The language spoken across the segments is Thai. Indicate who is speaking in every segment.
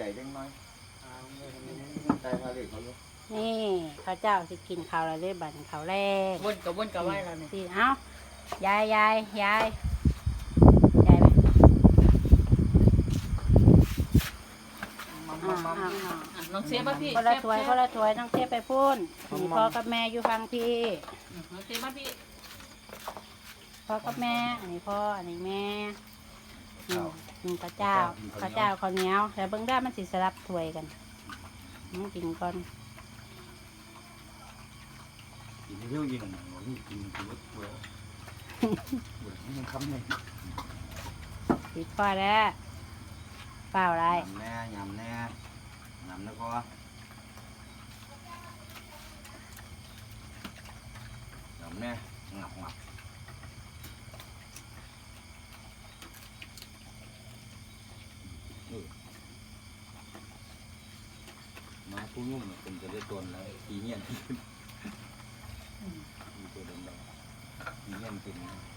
Speaker 1: จังน้อยใจพาเด็กเขาลูก
Speaker 2: นี่ข้าวเจ้าสิกินข้าวแล้วได้บัดข้าวแรก
Speaker 3: วนกับไหวแล้วเนี่ย
Speaker 2: สิเอ้ายายไหม
Speaker 3: น้องเสียมาพี่
Speaker 2: คนละถ้วยต้องเทไปพุ่นนี่พ่อกับแม่อยู่ฟังพี่
Speaker 3: น้องเสียมาพี่
Speaker 2: พ่อกับแม่อันนี้พ่ออันนี้แม่ข้าวเจ้าข้าวเหนียวแต่เบิ่งได้มันสิสลับถ้วยกันมันกินก่อน
Speaker 1: กินเที่ยวยิงนี่กินรถทัวร์มันคำเลย
Speaker 2: ปิดพ่อแล้วเปล่าอะไร
Speaker 1: ยำแน่แล้วก็ยำแน่งับมาผู้ยุ่งเป็นจะได้ตัวแล้วทีเงี้ยมีตัวเดิมๆทีเงี้ยกิน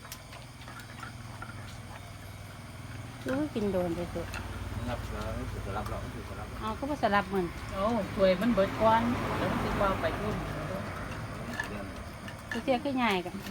Speaker 2: กินโดนไปสุด
Speaker 1: รับแล้วจะรับเราจะรับ
Speaker 2: เอาก็มาสลับมัน
Speaker 3: โอ้ถ้วยมันเบิดก้อนแล้วมันสิว่าไปพุ่น
Speaker 2: เสียขึ้นใหญ่กัน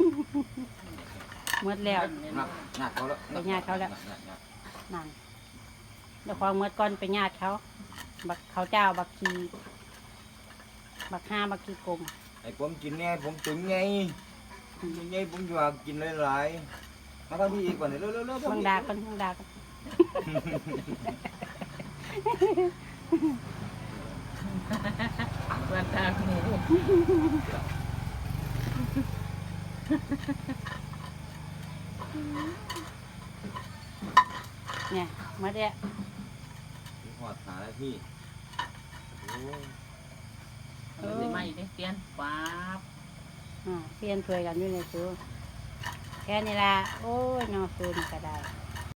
Speaker 2: หมดแล้ว
Speaker 1: ญาติเขาแล้ว
Speaker 2: นั่นเดี๋ยวความเมื่อก่อนไปญาติเขาบักเขาเจ้าบักขีบักห้าบักขีกลม
Speaker 1: ไอ้ผมกินเนี่ยผมถึงไงผมอยากกินหลายๆมาทำพี่อีกก่อนเร็วๆ
Speaker 2: มึงด่ากัน
Speaker 3: วันตาหมู
Speaker 2: เนี่ยมาเดี๋ยว
Speaker 1: หอดหาแล้วพี่
Speaker 3: สิมาอีกเปลี่ยนป๊าบ
Speaker 2: เปลี่ยนถ้วยกันอยู่ในตู้แค่นี้ละโอ้ยนอฟืนก็ได้